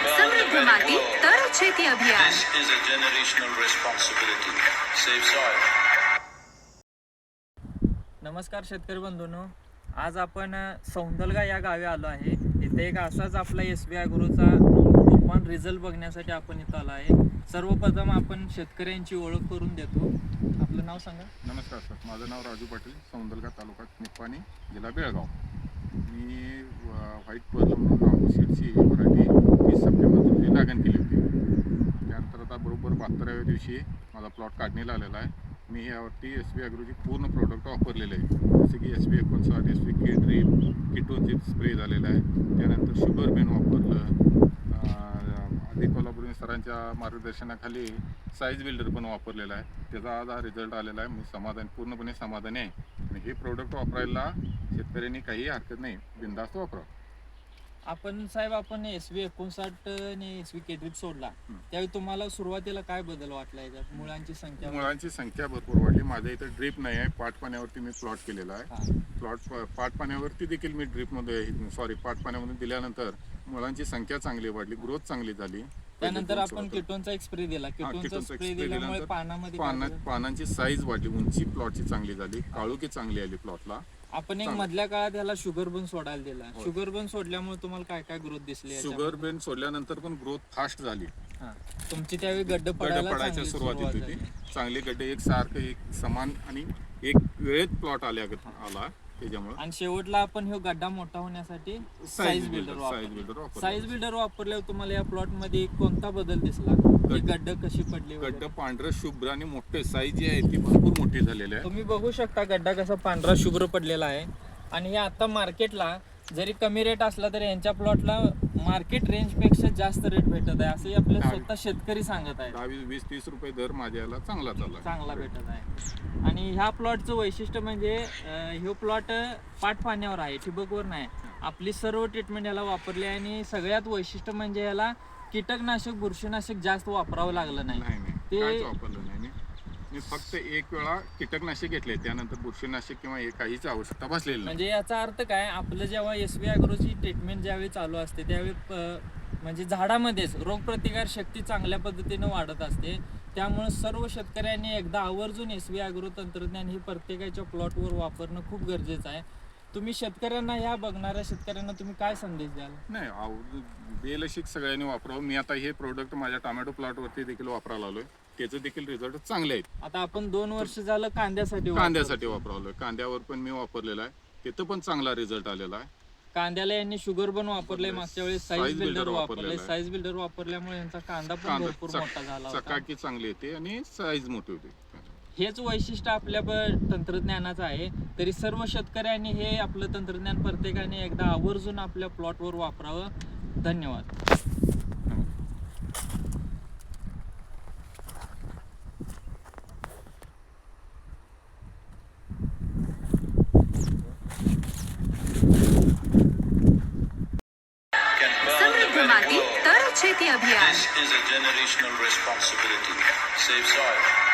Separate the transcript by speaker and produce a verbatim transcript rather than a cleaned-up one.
Speaker 1: समृद्ध माती तर शेती अभियान.
Speaker 2: This is a generational responsibility. Save soil.
Speaker 3: नमस्कार शेतकरी बंधूंनो, आज आपण सौंदलगा या गावी आलो आहे. इथे एक असाच आपला एस बी ॲग्रोचा तुफान रिझल्ट बघण्यासाठी आपण इथं आलो आहे. सर्वप्रथम आपण शेतकऱ्यांची ओळख करून देतो. आपलं नाव सांगा.
Speaker 4: नमस्कार सर, माझं नाव राजू पाटील, सौंदलगा तालुका निप्पाणी, जिल्हा बेळगाव. मी व्हाईट पर्ल म्हणून रामू सीडची व्हरायटी तीस सप्टेंबर रोजी लागण केली होती. त्यानंतर आता बरोबर बहात्तराव्या दिवशी माझा प्लॉट काढणीला आलेला आहे. मी यावरती एस बी ॲग्रोची पूर्ण प्रोडक्ट वापरलेले आहे. जसे की एस बी एकोणसाठ, एस बी के ड्रीप, किटोनची स्प्रे झालेला आहे. त्यानंतर शुगर बेन वापरलं. आधी कोल्हापुरी सरांच्या मार्गदर्शनाखाली साईज बिल्डर पण वापरलेला आहे. त्याचा आज हा रिझल्ट आलेला आहे. मी समाधान पूर्णपणे समाधानी आहे. आणि हे प्रोडक्ट वापरायला शेतकऱ्यांनी काही हरकत नाही, बिनधास्त वापरा.
Speaker 3: आपण साहेब आपण एस बी एकोणसाठ आणि एस बी के ड्रीप सोडला त्यावेळी तुम्हाला सुरुवातीला काय बदल वाटला याच्यात? मुळांची संख्या
Speaker 4: मुळांची संख्या भरपूर वाढली. माझ्या इथं ड्रीप नाही आहे, पाट पाण्यावरती मी प्लॉट केलेला आहे. प्लॉट पाट पाण्यावरती देखील मी ड्रीपमध्ये सॉरी पाट पाण्यामध्ये दिल्यानंतर मुळांची संख्या चांगली वाढली, ग्रोथ चांगली झाली.
Speaker 3: त्यानंतर आपण किटोनचा एक स्प्रे दिला. किटोनचा स्प्रे दिल्यामुळे पानामध्ये
Speaker 4: पानांची साईज वाढली, उंची प्लॉटची चांगली झाली, काळोखी चांगली आली प्लॉटला.
Speaker 3: आपण एक मधल्या काळात ह्याला शुगर बन सोडायला दिला. शुगर बन सोडल्यामुळे तुम्हाला काय काय ग्रोथ दिसली?
Speaker 4: शुगर बेन सोडल्यानंतर पण ग्रोथ फास्ट झाली.
Speaker 3: तुमची त्यावेळी गड्ड
Speaker 4: पडायच्या सुरुवात होती. चांगले गड्डे एक सारखं एक समान आणि एक वेळेत प्लॉट आल्या आला त्याच्यामुळे.
Speaker 3: आणि शेवटला आपण हे गड्डा मोठा होण्यासाठी साईज बिल्डर साईज बिल्डर वापरल्यावर तुम्हाला या प्लॉट मध्ये कोणता बदल दिसला? गड्ड कशी पडली?
Speaker 4: गड्ड पांढरं शुभ्र आणि मोठे साईज जी आहे ती भरपूर मोठी झालेली आहे.
Speaker 3: तुम्ही बघू शकता गड्डा कसा पांढरा शुभ्र पडलेला आहे. आणि हे आता मार्केटला जरी कमी रेट असला तरी यांच्या प्लॉटला मार्केट रेंज पेक्षा जास्त रेट भेटत आहे असं आपले स्वतः शेतकरी सांगत आहे.
Speaker 4: दहा वीस तीस रुपये दर माझ्याला चांगला चालला
Speaker 3: चांगला भेटत आहे. आणि ह्या प्लॉटचं वैशिष्ट्य म्हणजे हे प्लॉट पाट पाण्यावर आहे, ठिबकवर नाही. आपली सर्व ट्रीटमेंट याला वापरली आहे. आणि सगळ्यात वैशिष्ट्य म्हणजे याला कीटकनाशक बुरशीनाशक जास्त वापरावं लागलं नाही.
Speaker 4: ते वापरलं नाही. मी फक्त एक वेळा कीटकनाशक घेतले, त्यानंतर बुरशीनाशक किंवा काहीच आवश्यकता भासलेली नाही.
Speaker 3: म्हणजे याचा अर्थ काय, आपलं जेव्हा एस बी ॲग्रोची ट्रीटमेंट ज्यावेळी चालू असते त्यावेळी म्हणजे झाडामध्येच रोगप्रतिकार शक्ती चांगल्या पद्धतीनं वाढत असते. त्यामुळे सर्व शेतकऱ्यांनी एकदा आवर्जून एस बी ॲग्रो तंत्रज्ञान हे प्रत्येकाच्या प्लॉटवर वापरणं खूप गरजेचं आहे. तुम्ही शेतकऱ्यांना, ह्या बघणाऱ्या शेतकऱ्यांना तुम्ही काय संदेश द्याल?
Speaker 4: नाही, बेलशिक सगळ्यांनी वापरावं. मी आता हे प्रोडक्ट माझ्या टोमॅटो प्लॉटवरती देखील वापरायला आलोय. त्याचे देखील रिझल्ट चांगले आहेत.
Speaker 3: आता आपण दोन वर्ष झालं कांद्यासाठी
Speaker 4: कांद्यासाठी वापरावलोय. कांद्यावर पण मी वापरलेला आहे, तिथं पण चांगला रिझल्ट आलेला आहे.
Speaker 3: कांद्याला यांनी शुगर बन वापरले, मागच्या वेळेस साईज बिल्डर वापरले. साईज बिल्डर वापरल्यामुळे यांचा कांदा पण भरपूर मोठा झाला होता.
Speaker 4: चकाकी चांगली येते आणि साईज मोठी होते.
Speaker 3: हेच वैशिष्ट्य आपल्या तंत्रज्ञानाचं आहे. तरी सर्व शेतकऱ्यांनी हे आपलं तंत्रज्ञान प्रत्येकाने एकदा आवर्जून आपल्या प्लॉटवर वापरावं. धन्यवाद.
Speaker 1: समृद्ध माती तर शेती अभियान.
Speaker 2: This is a generational responsibility. Save soil.